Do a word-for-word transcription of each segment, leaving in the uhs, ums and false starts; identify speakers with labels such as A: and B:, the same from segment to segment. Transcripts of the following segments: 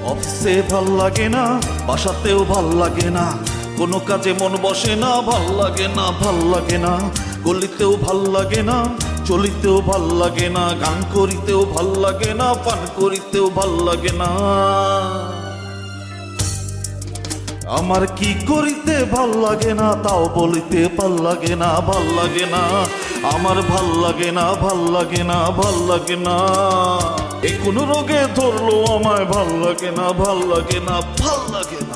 A: অফিসে ভাল লাগে না, বাসাতেও ভাল লাগে না, কোনো কাজে মন বসে না, ভাল লাগে না, ভাল লাগে না, গলিতেও ভাল লাগে না, চলিতেও ভাল লাগে না, গান করিতেও ভাল লাগে না, পান করিতেও ভাল লাগে না। আমার কি করিতে ভাল লাগে না, তাও বলিতে ভাল লাগে না, ভাল লাগে না, আমার ভাল লাগে না, ভাল লাগে না, ভাল লাগে না। এ কোন রোগে ধরলো আমায়, ভাল লাগে না, ভাল লাগে না, ভাল লাগে না।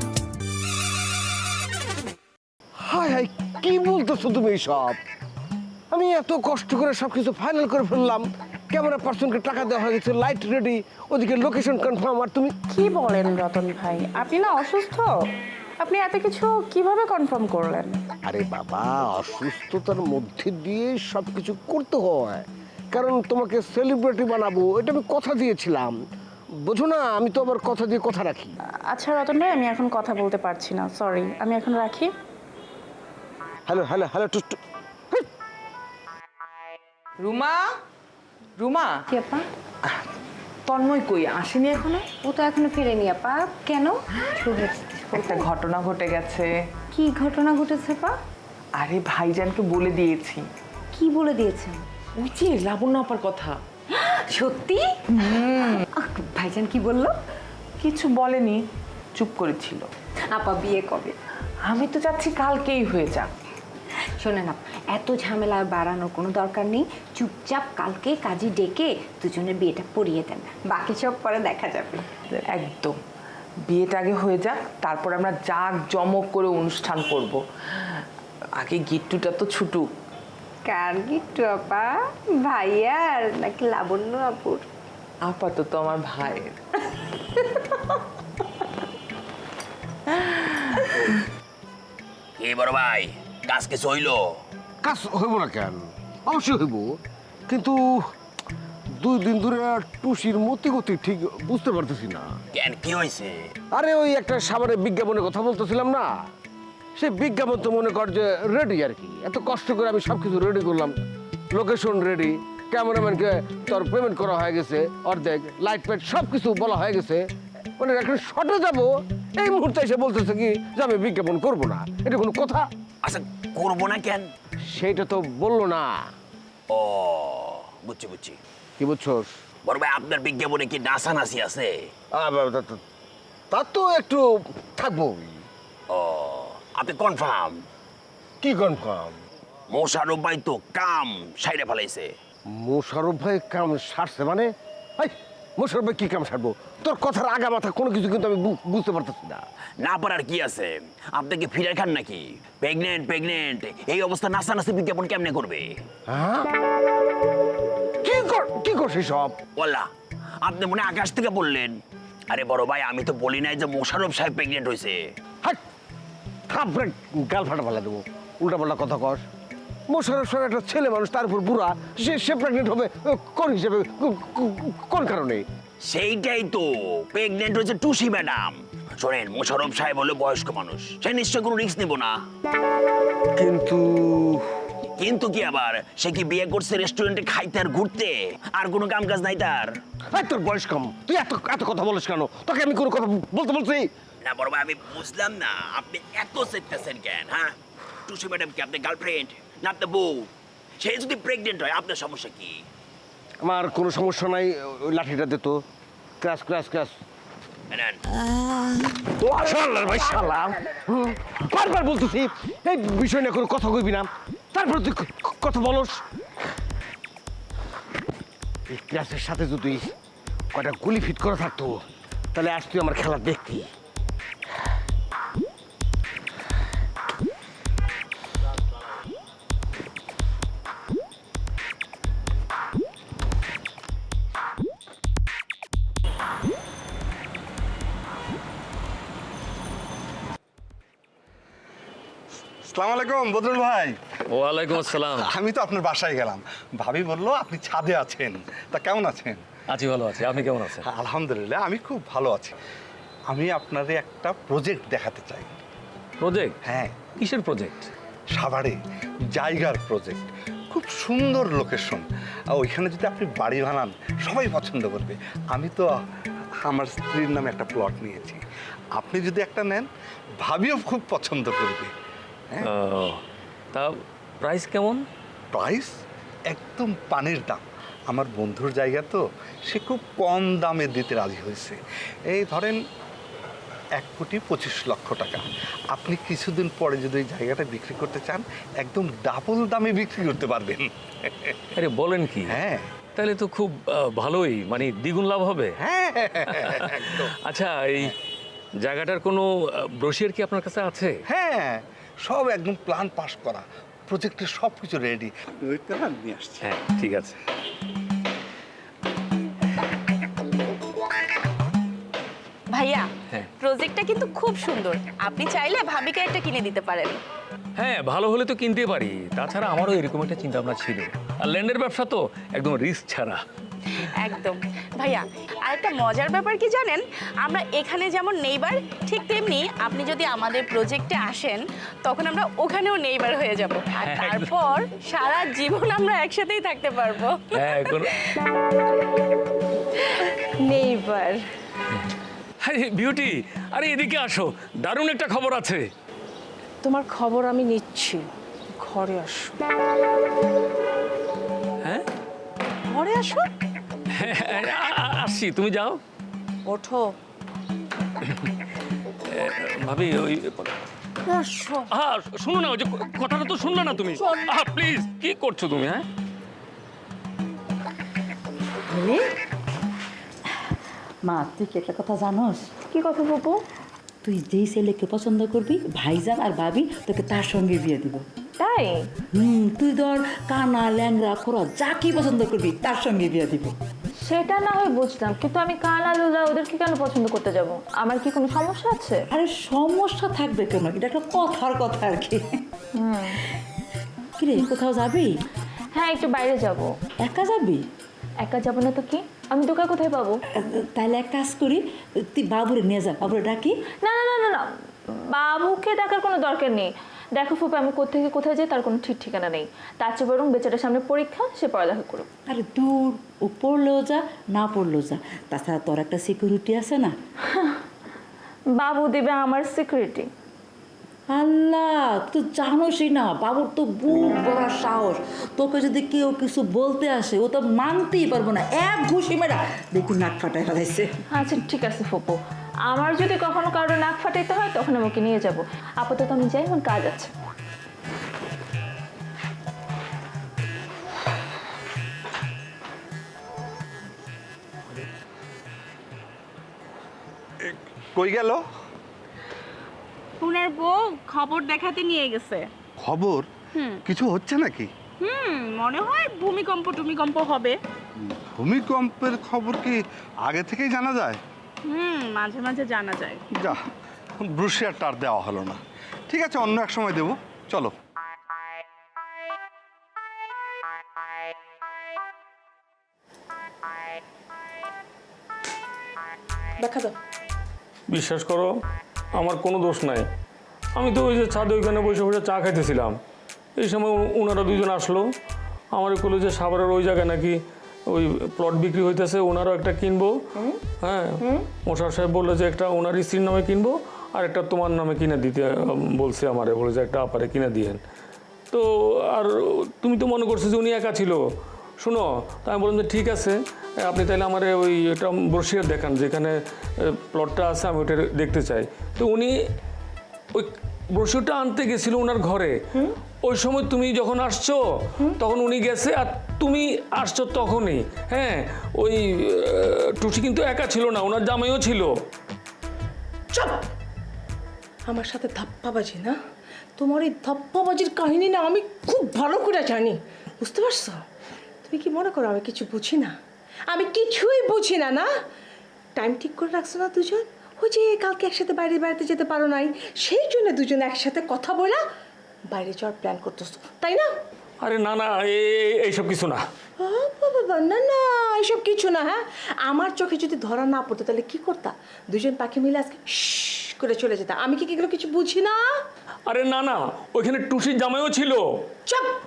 B: হাই হাই, কি বলতেছো তুমি সব? আমি এত কষ্ট করে সবকিছু ফাইনাল করে ফেললাম, ক্যামেরা পার্সনকে টাকা দেওয়া হয়ে গেছে, লাইট রেডি, ওদিকে লোকেশন কনফার্ম, আর তুমি
C: কি বলেন রতন ভাই, আপনি না অসুস্থ? আপনি এত কিছু কিভাবে কনফার্ম করলেন?
B: আরে বাবা, অসুস্থতার মধ্যে দিয়ে সবকিছু করতে হয়, কারণ তোমাকে সেলিব্রিটি বানাবো, এটা আমি কথা দিয়েছিলাম, বোঝো না? আমি তো আবার কথা দিয়ে কথা রাখি।
C: আচ্ছা রতন ভাই, আমি এখন কথা বলতে পারছি না, সরি, আমি এখন রাখি।
B: হ্যালো হ্যালো হ্যালো টু টু।
D: রুমা, রুমা,
E: কি আপা?
D: তন্ময় কই আসেনি এখনো?
E: ও তো এখনো ফেরেনি আপা। কেন?
D: একটা ঘটনা ঘটে গেছে।
E: কি ঘটনা ঘটেছে আপা?
D: আরে ভাইজানকে বলে দিয়েছি।
E: কি বলে দিয়েছেন?
D: ওই যে লাবণ্য আপার কথা।
E: সত্যি? আহ, ভাইজান কি বললো?
D: কিছু বলেনি, চুপ করেছিল।
E: আপা বিয়ে কবে?
D: আমি তো চাচ্ছি কালকেই হয়ে যাক।
E: শোনেন আপা, এত ঝামেলা বাড়ানোর কোনো দরকার নেই, চুপচাপ কালকে কাজী ডেকে দুজনের বিয়েটা পড়িয়ে দেন, বাকি সব পরে দেখা যাবে।
D: একদম, বিয়েটা আগে হয়ে যাক, তারপর আমরা জাক জমক করে অনুষ্ঠান করব। আগে গিট্টুটা তো ছুটুক।
E: কার গিট্টু আপা? ভাইয়ার নাকি লাবণ্য আপুর?
D: আপাতত আমার ভাইয়ের।
F: কি বড় ভাই, কাজ কিছু হইলো?
B: কাজ হইব না কেন? অবশ্যই হইব, কিন্তু দুই দিন ধরে টুসির মতি গতি ঠিক বুঝতে পারতেছি না।
F: কেন, কি হয়েছে?
B: আরে ওই একটা সামনে বিজ্ঞাপনের কথা বলতেছিলাম না, সেই বিজ্ঞাপন তো মনে কর যে রেডি আর কি, এত কষ্ট করে আমি সব কিছু রেডি করলাম, লোকেশন রেডি, ক্যামেরাম্যানকে তোর পেমেন্ট করা হয়ে গেছে অর্ধেক, লাইট ফাইট সব কিছু বলা হয়ে গেছে, মানে একটা শটে যাবো, এই মুহূর্তে এসে বলতেছে কি যে আমি বিজ্ঞাপন করবো না। এটা কোনো কথা?
F: আচ্ছা, করবো না কেন?
B: সেইটা তো বললো না।
F: ও, বুঝছি বুঝছি।
B: কি বুঝছোস?
F: বড় ভাই, আপনার বিজ্ঞাপনে কি নাচানাচি আছে?
B: তা তো একটু থাকবো।
F: ও, আপনি কনফার্ম?
B: কি কনফার্ম?
F: মোশারফ ভাই তো কাম সাইডে ফেলাইছে।
B: মোশারফ ভাই কাম সারছে মানে? এই, মোশারফ ভাই কি কাম সারবো? তোর কথার আগা মাথা কোনো কিছু কিন্তু আমি বু- বুঝতে পারতেছি না।
F: না পারার কি আছে? আপনি কি ফিরে খান নাকি? প্রেগনেন্ট প্রেগনেন্ট এই অবস্থা নাচানাচি বিজ্ঞাপন কেমনে করবে?
B: হ্যাঁ? কি কর কি করছিস সব?
F: বললা, আপনি মনে হয় আকাশ থেকে বললেন। আরে বড় ভাই, আমি তো বলি নাই যে মোশারফ সাহেব প্রেগনেন্ট হয়েছে।
B: হাট, থাপড়ে গাল ফাটা ফেলা দেবো, উল্টা পাল্টা কথা কর। মোশারফ সাহেব একটা ছেলে মানুষ, তার উপর বুড়া, সে সে প্রেগনেন্ট হবে কোন হিসেবে, কো- কো- কোন কারণে?
F: সেইটাই তো, প্রেগনেন্ট হয়েছে টুসি ম্যাডাম। শোনেন, মোশারফ সাহেব হলো বয়স্ক মানুষ, সে নিশ্চয় কোনো রিস্ক নিব না।
B: কিন্তু
F: কিন্তু কি আবার, সে কি বিয়ে করছে রেস্টুরেন্টে খাইতে আর ঘুরতে, আর কোনো কাম কাজ নাই তার?
B: এই, তোর বয়স কম, তুই এত এত কথা বলিস কেন? তোকে আমি কোনো কথা বলতে বলছি?
F: না বড় ভাই, আমি বুঝলাম না আপনি এত চেতেছেন কেন? হ্যাঁ, টুসি ম্যাডাম কি আপনার গার্লফ্রেন্ড না আপনার বউ? সে যদি প্রেগনেন্ট হয়, আপনার সমস্যা কি?
B: আমার কোনো সমস্যা নাই, ওই লাঠিটা দে তো, ক্রাশ ক্রাশ ক্রাশ।
F: নেন।
B: শালার ভাই শালা, হুম, বারবার বলতেছি এই বিষয় নিয়ে কোনো কথা কইবি না, তারপর তুই ক- ক- কথা বলস। এই ক্লাসের সাথে যদি কয়টা গুলি ফিট করা থাকতো, তাহলে আজ তুই আমার খেলা দেখতি।
G: আসসালামু আলাইকুম বদরুল ভাই।
H: ওয়ালাইকুম আসসালাম।
G: আমি তো আপনার বাসায় গেলাম, ভাবি বললো আপনি ছাদে আছেন, তা কেমন আছেন?
H: আছি, ভালো আছি। আপনি কেমন আছেন?
G: আলহামদুলিল্লাহ, আমি খুব ভালো আছি। আমি আপনারে একটা প্রজেক্ট দেখাতে চাই।
H: প্রজেক্ট?
G: হ্যাঁ,
H: কিসের প্রজেক্ট?
G: সাভারে জায়গার প্রজেক্ট, খুব সুন্দর লোকেশন, আর ওইখানে যদি আপনি বাড়ি বানান সবাই পছন্দ করবে। আমি তো আমার স্ত্রীর নামে একটা প্লট নিয়েছি। আপনি যদি একটা নেন, ভাবিও খুব পছন্দ করবে।
H: ও, তা প্রাইস কেমন?
G: প্রাইস একদম পানির দাম। আমার বন্ধুর জায়গা তো, সে খুব কম দামে দিতে রাজি হয়েছে। এই ধরেন এক কোটি পঁচিশ লক্ষ টাকা। আপনি কিছুদিন পরে যদি ওই জায়গাটা বিক্রি করতে চান, একদম ডাবল দামে বিক্রি করতে পারবেন।
H: আরে বলেন কি?
G: হ্যাঁ
H: তাহলে তো খুব আহ, ভালোই, মানে দ্বিগুণ লাভ হবে।
G: হ্যাঁ একদম।
H: আচ্ছা, এই জায়গাটার কোনো ব্রোশিয়ার কি আপনার কাছে আছে?
G: হ্যাঁ, সব একদম প্ল্যান পাস করা, প্রজেক্টের সব কিছু রেডি। ওইটা আমি নিয়ে আসছি।
H: হ্যাঁ, ঠিক আছে।
C: ভাইয়া
H: হ্যাঁ।
C: প্রজেক্টটা কিন্তু খুব সুন্দর, আপনি চাইলে ভাবিকে একটা কিনে দিতে পারেন।
H: হ্যাঁ, ভালো হলে তো কিনতে পারি। তাছাড়া আমারও এরকম একটা চিন্তা ভাবনা ছিল। আর ল্যান্ডের ব্যবসা তো একদম রিস্ক ছাড়া।
C: একদম ভাইয়া, আরেকটা মজার ব্যাপার কি জানেন, আমরা এখানে যেমন নেইবার, ঠিক তেমনি আপনি যদি আমাদের প্রজেক্টে আসেন তখন আমরা ওখানেও নেইবার হয়ে যাব, আর
H: একদম।
C: তারপর সারা জীবন আমরা একসাথেই থাকতে পারবো।
H: হ্যাঁ, কোনো
C: নেইবার।
H: আরে বিউটি, আরে এদিকে আসো, দারুণ একটা খবর আছে।
I: তোমার খবর আমি নিচ্ছি, ঘরে আসো।
H: হ্যাঁ,
I: ঘরে আসো,
H: আ- আ- আসছি, তুমি যাও।
I: ওঠো,
H: ভাবি ওই
I: আসো।
H: হ্যাঁ, শুনো না, ওই যে কথাটা তো শুনলে না তুমি। আহ, প্লিজ, কি করছো তুমি? হ্যাঁ,
J: মা, তুই কি একটা কথা জানোস?
C: কি কথা বলবো?
J: তুই যেই ছেলেকে পছন্দ করবি, ভাইজান আর ভাবি তোকে তার সঙ্গে বিয়ে দিব।
C: তাই?
J: হুম, তুই ধর কানা ল্যাংরা খোরা যা কি পছন্দ করবি তার সঙ্গে বিয়ে দিব।
C: সেটা না হয় বুঝলাম, কিন্তু আমি কানা লুলা ওদেরকে কেন পছন্দ করতে যাব? আমার কি কোনো সমস্যা আছে?
J: আরে সমস্যা থাকবে কেন, এটা একটা কথার কথা আর কি। কিরে, কোথাও যাবি?
C: হ্যাঁ, একটু বাইরে যাব।
J: একা যাবি?
C: একা যাব না তো কি, আমি দোকান কোথায় পাবো?
J: তাহলে এক কাজ করি, তুই বাবুরে নিয়ে যা, বাবুরে ডাকি।
C: না না না না না, বাবুকে ডাকার কোনো দরকার নেই। দেখো ফুপা, আমি কোথেকে কোথায় যাই তার কোনো ঠিক ঠিকানা নেই। তার চেয়ে বরং বেচারার সামনে পরীক্ষা, সে পড়ালেখা করুক।
J: আরে দূর, ও পড়লেও যা, না পড়লেও যা। তাছাড়া তোর একটা সিকিউরিটি আছে না।
C: বাবু দেবে আমার সিকিউরিটি?
J: আল্লাহ, তুই জানোসই না, বাবুর তো বুক বড় সাহস। তোকে যদি কেউ কিছু বলতে আসে, ও তো মানতেই পারবো না, এক ঘুষি মেরা দেখুন নাক ফাটায় ফেলাইছে।
C: আচ্ছা ঠিক আছে ফুপু, আমার যদি কখনো কারো নাক ফাটাইতে হয় তখন আমাকে নিয়ে যাব। আপাতত আমি যাই, আমার কাজ আছে।
G: কই গেল?
C: পুনের বউ খবর দেখাতে নিয়ে গেছে।
G: খবর? কিছু হচ্ছে নাকি?
C: হুম, মনে হয় ভূমিকম্প টুমিকম্প হবে।
G: ভূমিকম্পের খবর কি আগে থেকেই জানা যায়?
C: হুম, মাঝে মাঝে জানা যায়।
G: যা, ব্রুশিয়ারটা আর দেওয়া হলো না। ঠিক আছে, অন্য এক সময় দেবো, চলো।
I: দেখা দাও।
H: বিশ্বাস করো, আমার কোনো দোষ নাই। আমি তো ওই যে ছাদে ওইখানে বসে বসে চা খাইতেছিলাম। এই সময় ও- ওনারা দুজন আসলো। আমার বললো যে সাভারের ওই জায়গায় নাকি ওই প্লট বিক্রি হইতেছে, ওনারও একটা কিনবো। হ্যাঁ, মোশার সাহেব বললো যে একটা ওনার স্ত্রীর নামে কিনবো, আর একটা তোমার নামে কিনে দিতে উম, বলছে আমারে, বলে যে একটা আপারে কিনে দিয়েন। তো আর তুমি তো মনে করছো যে উনি একা ছিল। শুনো, তো আমি বললাম যে ঠিক আছে, আপনি তাহলে আমার ওই একটা ব্রোশিয়ার দেখান যেখানে প্লটটা আছে, আমি ওটা দেখতে চাই। তো উনি ওই ব্রোশিয়ারটা আনতে গেছিল ওনার ঘরে। ওই সময় তুমি যখন আসছো তখন উনি গেছে, আর তুমি আসছো তখনই। হ্যাঁ, ওই আহ, টুসি কিন্তু একা ছিল না, ওনার জামাইও ছিল।
I: চুপ! আমার সাথে ধাপ্পাবাজি না? তোমার এই ধাপ্পাবাজির কাহিনী না আমি খুব ভালো করে জানি, বুঝতে পারছো? তুমি কি মনে করো আমি কিছু বুঝি না? আমি কিছুই বুঝি না, না? টাইম ঠিক করে রাখছো না দুজন? ওই যে কালকে একসাথে বাইরে বেড়াতে যেতে পারো নাই, সেই জন্য দুজন একসাথে কথা বলা বাইরে যাওয়ার প্ল্যান করতেছো, তাই না?
H: আরে না না, এ- এইসব কিছু না।
I: ও বাবা, না না, এসব কিছু না। হ্যাঁ, আমার চোখে যদি ধরা না পড়তো তাহলে কি করতা? দুজন পাখি মিলে আজকে শশ করে চলে যেতাম। আমি কি এগুলো কিছু বুঝি না?
H: আরে না না, ওইখানে টুসির জামাইও ছিল।
I: চুপ!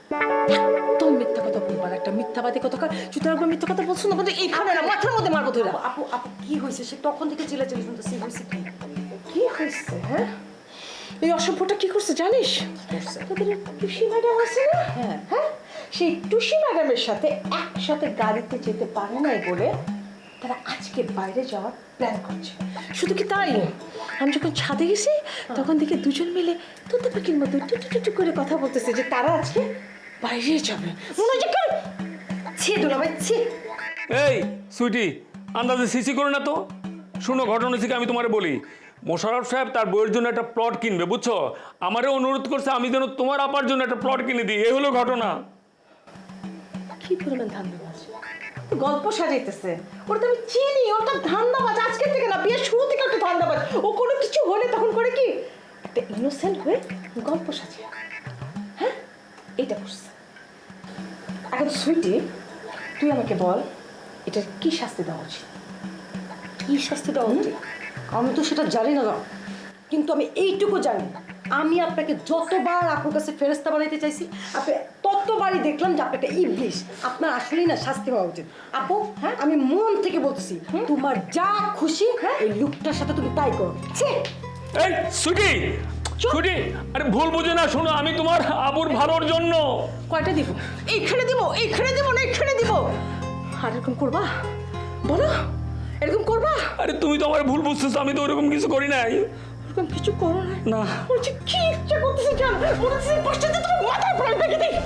I: একদম মিথ্যা কথা বলবার একটা মিথ্যাবাদী কথা যদি একবার মিথ্যা কথা বলছো না বলতে এইখানে না মাথার মধ্যে মারবো ধরে
K: আপু আপু কি হয়েছে সে তখন থেকে চিল্লাচিল্লি শুনতেছি হয়েছে কি
I: কি হয়েছে হ্যাঁ এই অসভ্যটা কি করছে জানিস তোদের টুসি ম্যাডাম আছে না হ্যাঁ হ্যাঁ সেই টুসি ম্যাডামের সাথে একসাথে গাড়িতে যেতে পারে নাই বলে তারা আজকে বাইরে যাওয়ার প্ল্যান করছে শুধু কি তাই আমি যখন ছাদে গেছি তখন দেখে দুজন মিলে তোতা পাখির মতো টুটু টুটু করে কথা বলতেছে যে তারা আজকে বাইরে যাবে মনে হয় যে কেউ ছি দুলাভাই ছি
H: এই সুইটি আন্দাজে সিসি করো না তো শুনো ঘটনা থেকে আমি তোমারে বলি মোশাররফ সাহেব তার বইয়ের জন্য একটা প্লট কিনবে বুঝছো আমারও অনুরোধ করছে আমি যেন তোমার আপার জন্য একটা প্লট কিনে দিই এই হলো ঘটনা
I: কি পরিমাণ ধান্দাবাজ গল্প সাজাইতেছে ওটা তো আমি চিনি ওটা ধান্দাবাজ আজকে থেকে না বিয়ের শুরু থেকে একটা ধান্দাবাজ ও কোনো কিছু হলে তখন করে কি একটা ইনোসেন্ট হয়ে গল্প সাজায় হ্যাঁ এইটা করছে এখন সুইটি তুই আমাকে বল এটার কি শাস্তি দেওয়া উচিত কি শাস্তি দেওয়া উচিত আমি তো সেটা জানি না কিন্তু আমি এইটুকু জানি আমি আপনাকে যতবার আপনার কাছে ফেরেস্তা বানাইতে চাইছি আপনি ততবারই দেখলাম যে আপনাকে ইবলিশ আপনার আসলেই না শাস্তি হওয়া উচিত আপু হ্যাঁ আমি মন থেকে বলতেছি তোমার যা খুশি হ্যাঁ এই লুকটার সাথে তুমি তাই করো ছি
H: এই সুইটি সুইটি আরে ভুল বুঝে না শোনো আমি তোমার আবুর ভালোর জন্য
I: কয়টা দিব এইখানে দিব এইখানে দিব না এইখানে দিব আর এরকম করবা বলো এরকম করবা
H: আরে তুমি তো আমার ভুল বুঝতেছো আমি তো ওরকম কিছু করি নাই
I: এরকম কিছু করো না
H: না
I: বলছি কি ইচ্ছা করতেছে জান বলতেছে পাশটাতে তোমার মাথার প্রাণ ভেঙে দিই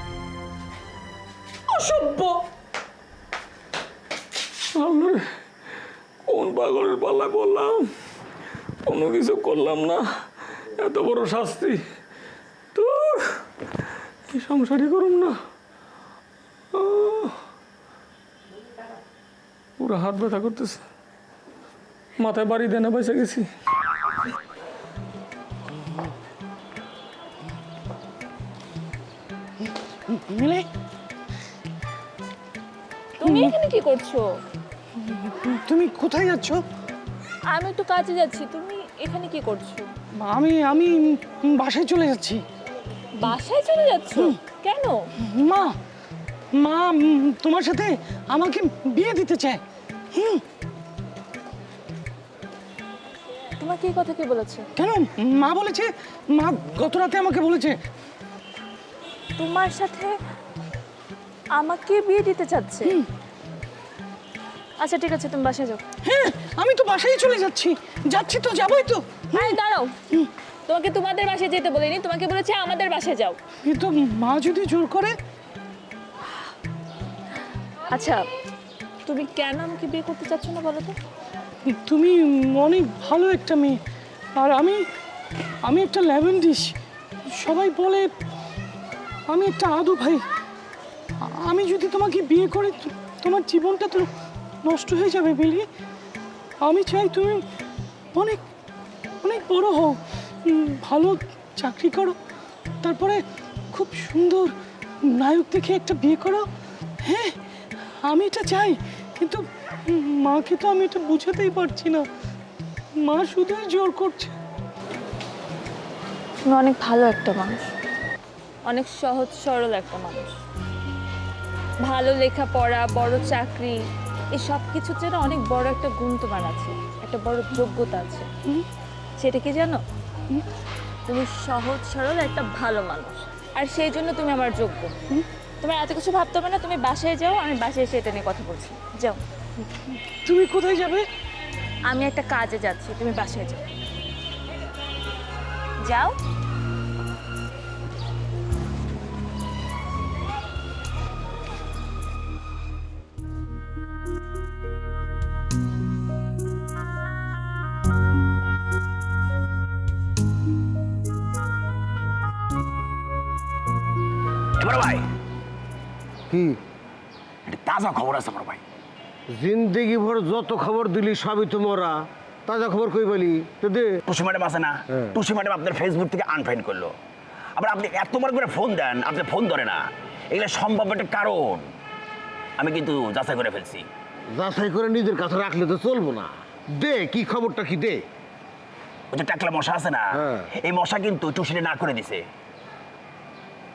I: অসভ্য
H: আল্লাহ কোন পাগলের পাল্লা করলাম কোনো কিছু করলাম না এত বড় শাস্তি তো এই সংসারই করুম না আহ, পুরো হাত ব্যথা করতেছে মাথায় বাড়ি দেনা বেঁচে গেছি
K: মিলে
L: তুমি এখানে কি করছো?
K: তুমি কোথায় যাচ্ছ?
L: আমি তো কাজে যাচ্ছি, তুমি এখানে কি করছো?
K: আমি আমি বাসায় চলে যাচ্ছি।
L: বাসায় চলে যাচ্ছ? কেন?
K: মা মা উম, তোমার সাথে আমাকে বিয়ে দিতে চায়। হুম
L: তোমাকে এই কথা কে বলেছে?
K: কেন মা বলেছে, মা গত রাতে আমাকে বলেছে।
L: তোমার সাথে আমাকে বিয়ে দিতে চাচ্ছে? আচ্ছা ঠিক আছে, তুমি বাসায় যাও।
K: হ্যাঁ আমি তো বাসায় চলে যাচ্ছি, যাচ্ছি তো যাবোই তো।
L: হ্যাঁ দাঁড়াও, তোমাকে তোমাদের বাসায় যেতে বলিনি, তোমাকে বলেছে আমাদের বাসায় যাও।
K: কিন্তু মা যদি জোর করে।
L: আচ্ছা তুমি কেন আমাকে বিয়ে করতে চাচ্ছ না বলো তো?
K: তুমি অনেক ভালো একটা মেয়ে, আর আমি আমি একটা লেমন ডিশ। সবাই বলে আমি একটা আদু ভাই। আমি যদি তোমাকে বিয়ে করে তোমার জীবনটা তো নষ্ট হয়ে যাবে মিলি। আমি চাই তুমি অনেক অনেক বড় হও, উম, ভালো চাকরি করো, তারপরে খুব সুন্দর নায়ক দেখে একটা বিয়ে করো। হ্যাঁ আমি এটা চাই, কিন্তু মাকে তো আমি এটা বোঝাতেই পারছি না। মা শুধুই জোর করছে।
L: তুমি অনেক ভালো একটা মানুষ, অনেক সহজ সরল একটা মানুষ। ভালো লেখাপড়া, বড় চাকরি, এই সব কিছুর জন্য অনেক বড় একটা গুণ তোমার আছে, একটা বড় যোগ্যতা আছে। সেটা কি জানো? তুমি সহজ সরল একটা ভালো মানুষ, আর সেই জন্য তুমি আমার যোগ্য। তোমার এত কিছু ভাবতে হবে না, তুমি বাসায় যাও, আমি বাসায় এসে এটা নিয়ে কথা বলছি। যাও।
K: তুমি কোথায় যাবে?
L: আমি একটা কাজে যাচ্ছি, তুমি বাসায় যাও। যাও।
F: বড় ভাই
B: কি
F: একটা তাজা খবর আছে বড় ভাই।
B: জিন্দেগি ভর যত খবর দিলি সবই তো মরা, তাজা খবর কই বলি তো দে।
F: টুসি ম্যাডাম আছে না, টুসি ম্যাডাম আপনার ফেসবুক থেকে আনফ্রেন্ড করলো। আবার আপনি এতবার করে ফোন দেন, আপনি ফোন ধরে না। এগুলো সম্ভব একটা কারণ আমি কিন্তু যাচাই করে ফেলছি।
B: যাচাই করে নিজের কাছে রাখলে তো চলবো না। দে কি খবরটা কি দে।
F: ওই যে টাকলা মশা আছে না, এই মশা কিন্তু টুসিরে না করে দিছে।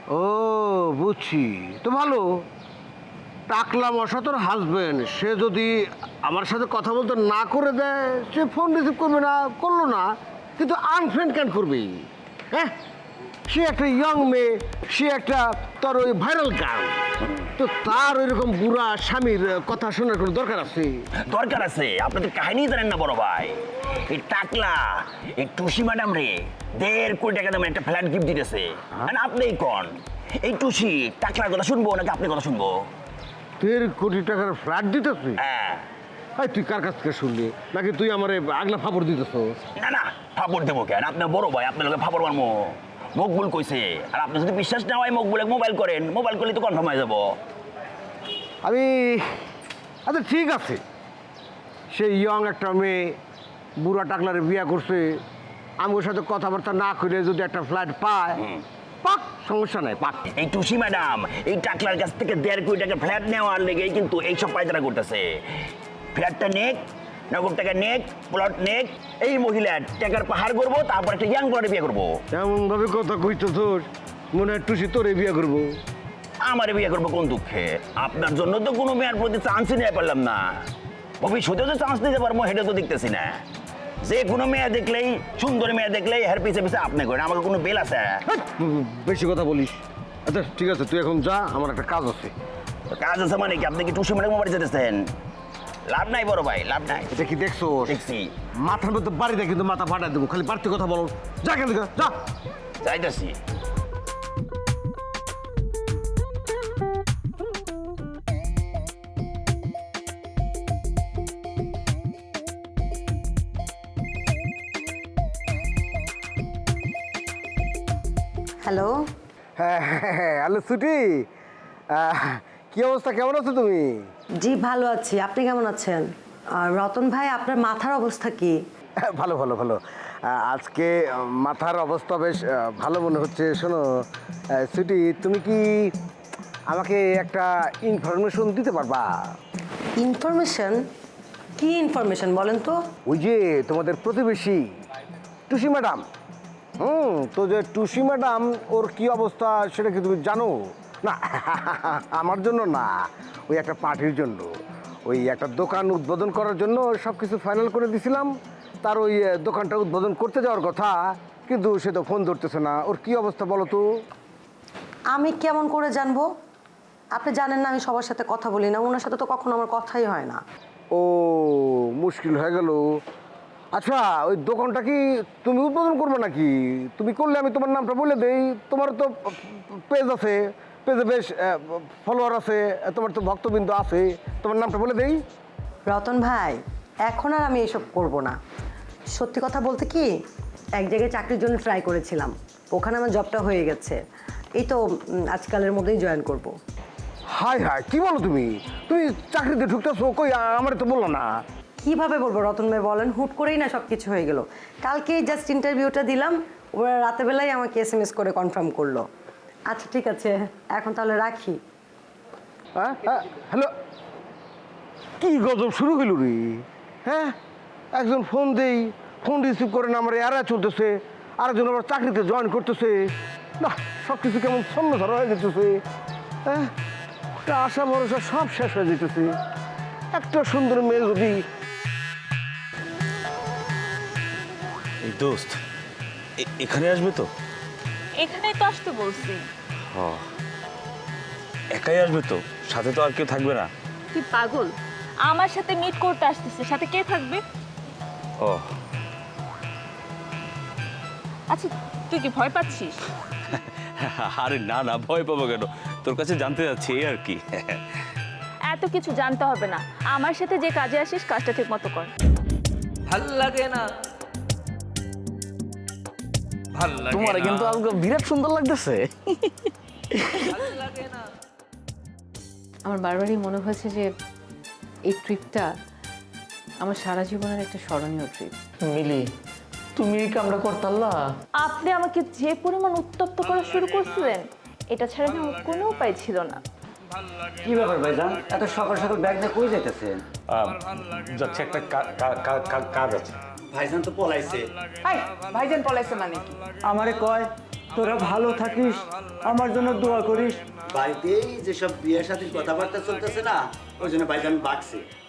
B: ও বুঝছি, তো ভালো। টাকলা মশা তোর হাজবেন্ড, সে যদি আমার সাথে কথা বলতে না করে দেয়, সে ফোন রিসিভ করবে না, করলো না, কিন্তু আনফ্রেন্ড কেন করবি? হ্যাঁ, সে একটা ইয়ং মেয়ে, সে একটা তোর ওই ভাইরাল গার্ল, তো তার ওইরকম বুড়া স্বামীর কথা শোনার কোনো দরকার আছে?
F: দরকার আছে। আপনি তো কাহিনী জানেন না বড় ভাই। এই টাকলা এই টুসি ম্যাডাম রে দেড় কোটি টাকা দামে একটা ফ্ল্যাট গিফট দিতেছে। আর আপনিই কোন এই টুসি টাকলার কথা শুনবো নাকি আপনি কথা শুনবো?
B: দেড় কোটি টাকার ফ্ল্যাট দিতেছি?
F: হ্যাঁ।
B: এই তুই কার কাছ থেকে শুনলি, নাকি তুই আমার আগলা ফাপড় দিতেছ?
F: না না, ফাপড় দেবো কেন? আপনার বড় ভাই, আপনার লোকে ফাপড় মারবো? মকবুল কইছে। আর আপনি যদি বিশ্বাস না হয় মকবুলে মোবাইল করেন, মোবাইল করলে তো কনফার্ম হয়ে যাবো।
B: আমি আচ্ছা ঠিক আছে, সেই ইয়ং একটা মেয়ে বুড়া টাকলারে বিয়ে করছে, আমি ওর সাথে কথাবার্তা না করে যদি একটা ফ্ল্যাট পায়, পাক, সমস্যা নাই, পাক।
F: এই টুসি ম্যাডাম এই টাকলার কাছ থেকে দেড় কোটি টাকা ফ্ল্যাট নেওয়ার লেগেই কিন্তু এইসব পায়তারা করতেছে। ফ্ল্যাটটা নেক, নগদ টাকা নেক, প্লট নেক, এই মহিলা টাকার পাহাড় করবো, তারপর একটা ইয়াং প্লটে বিয়ে করবো।
B: এমন ভাবে কথা কইতো তোর মনে হয় টুসি তোরে বিয়ে করবো।
F: আমারে বিয়ে করবো কোন দুঃখে? আপনার জন্য তো কোনো মেয়ের প্রতি চান্সই নিতে পারলাম না। ভবিষ্যতে তো চান্স নিতে পারবো সেটা তো দেখতেছি না। যে কোনো মেয়ে দেখলেই, সুন্দর মেয়ে দেখলেই হের পিছে পিছে আপনি করেন। আমাকে কোনো বেল আছে?
B: বেশি কথা বলিস। আচ্ছা ঠিক আছে, তুই এখন যা, আমার একটা কাজ আছে।
F: কাজ আছে মানে কি? আপনি কি টুসি ম্যাডাম বাড়ি যেতেছেন? লাভ নাই বড় ভাই, লাভ নাই।
B: এটা কি দেখছো?
F: দেখছি।
B: মাথার মধ্যে বাড়ি দেয় কিন্তু মাথা ফাটাই দেবো, খালি বাড়তি কথা বলো। যা কেন, যা।
F: যাইতেছি।
M: হ্যালো।
B: হ্যাঁ হ্যালো সুটি, কি অবস্থা, কেমন আছো তুমি?
M: জি ভালো আছি, আপনি কেমন আছেন? আর রতন ভাই, আপনার মাথার অবস্থা কি?
B: ভালো ভালো ভালো। আজকে মাথার অবস্থা বেশ ভালো মনে হচ্ছে। শোনো সুটি, তুমি কি আমাকে একটা ইনফরমেশন দিতে পারবা?
M: ইনফরমেশন? কি ইনফরমেশন বলেন তো?
B: ওই যে তোমাদের প্রতিবেশী টুসি ম্যাডাম, হুম তো যে টুসি ম্যাডাম, ওর কি অবস্থা সেটা কি তুমি জানো? না আমার জন্য না, ওই একটা পার্টির জন্য, ওই একটা দোকান উদ্বোধন করার জন্য সব কিছু ফাইনাল করে দিছিলাম। তার ওই দোকানটা উদ্বোধন করতে যাওয়ার কথা, কিন্তু সে তো ফোন ধরতেছে না। ওর কি অবস্থা বলো তো?
M: আমি কেমন করে জানবো? আপনি জানেন না আমি সবার সাথে কথা বলি না, ওনার সাথে তো কখনো আমার কথাই হয় না।
B: ও মুশকিল হয়ে গেল। আচ্ছা ওই দোকানটা কি তুমি উদ্বোধন করবে নাকি? তুমি করলে আমি তোমার নামটা বলে দেই। তোমার তো পেজ আছে, পেজে বেশ ফলোয়ার আছে, তোমার তো ভক্তবৃন্দ আছে, তোমার নামটা বলে দেই।
M: রতন ভাই, এখন আর আমি এসব করব না। সত্যি কথা বলতে কি, এক জায়গায় চাকরির জন্য ট্রাই করেছিলাম, ওখানে আমার জবটা হয়ে গেছে। এই তো আজকালের মধ্যেই জয়েন করব।
B: হাই হাই, কি বলো তুমি? তুমি চাকরিতে ঢুকতেছো কই? আমার তো বললো না।
M: কিভাবে বলবো রতন ভাই বলেন? হুট করেই না সব কিছু হয়ে গেল। কালকেই জাস্ট ইন্টারভিউটা দিলাম, ওরা রাতেবেলায় আমাকে এস এম এস করে কনফার্ম করলো। আচ্ছা ঠিক আছে, এখন তাহলে রাখি।
B: হ্যাঁ হ্যাঁ হ্যালো, কি গজব শুরু হইল রে? হ্যাঁ, একজন ফোন দেই, ফোন রিসিভ করে না, আমার এরা চলতেছে, আরেকজন আবার চাকরিতে জয়েন করতেছে। না, সব কিছু কেমন ছন্ন ধরা হয়ে যেতেছে। হ্যাঁ, আশা ভরসা সব শেষ হয়ে যেতেছে। একটা সুন্দর মেয়ে যদি।
N: এই দোস্ত, এখানে আসবে তো?
L: এখানেই তো আসতে বলছি।
N: একাই আসবে তো? সাথে তো আর কেউ থাকবে না?
L: তুই পাগল? আমার সাথে মিট করতে আসতেছে, সাথে কে থাকবে?
N: ও
L: আচ্ছা, তুই কি ভয় পাচ্ছিস?
N: আরে না না, ভয় পাবো কেন? তোর কাছে জানতে যাচ্ছি এই আর কি।
L: এত কিছু জানতে হবে না, আমার সাথে যে কাজে আসিস কাজটা ঠিক মতো কর।
O: ভাল লাগে না, ভাল লাগে
N: তোমার কিন্তু আজকে বিরাট সুন্দর লাগতেছে।
P: আমার বারবারই মনে হয়েছে যে এই ট্রিপটা আমার সারা জীবনের একটা স্মরণীয় ট্রিপ।
O: মিলি, তুমি এই কামটা করতাল্লা?
L: আপনি আমাকে যে পরিমাণ উত্তপ্ত করা শুরু করছিলেন, এটা ছাড়া না আমার কোনো উপায় ছিল না।
Q: কি ব্যাপার ভাইজান, এত সকাল সকাল ব্যাগ নিয়ে কই যাইতেছেন?
H: যাচ্ছে, একটা কাজ আছে।
Q: ভাইজান তো পলাইছে।
D: ভাইজান পলাইছে মানে কি?
Q: আমারে কয় তোরা ভালো থাকিস, আমার জন্য দোয়া করিস।
R: বাড়িতেই যেসব বিয়ের সাথে কথাবার্তা চলতেছে না, ওই জন্য ভাইজান বাকছে।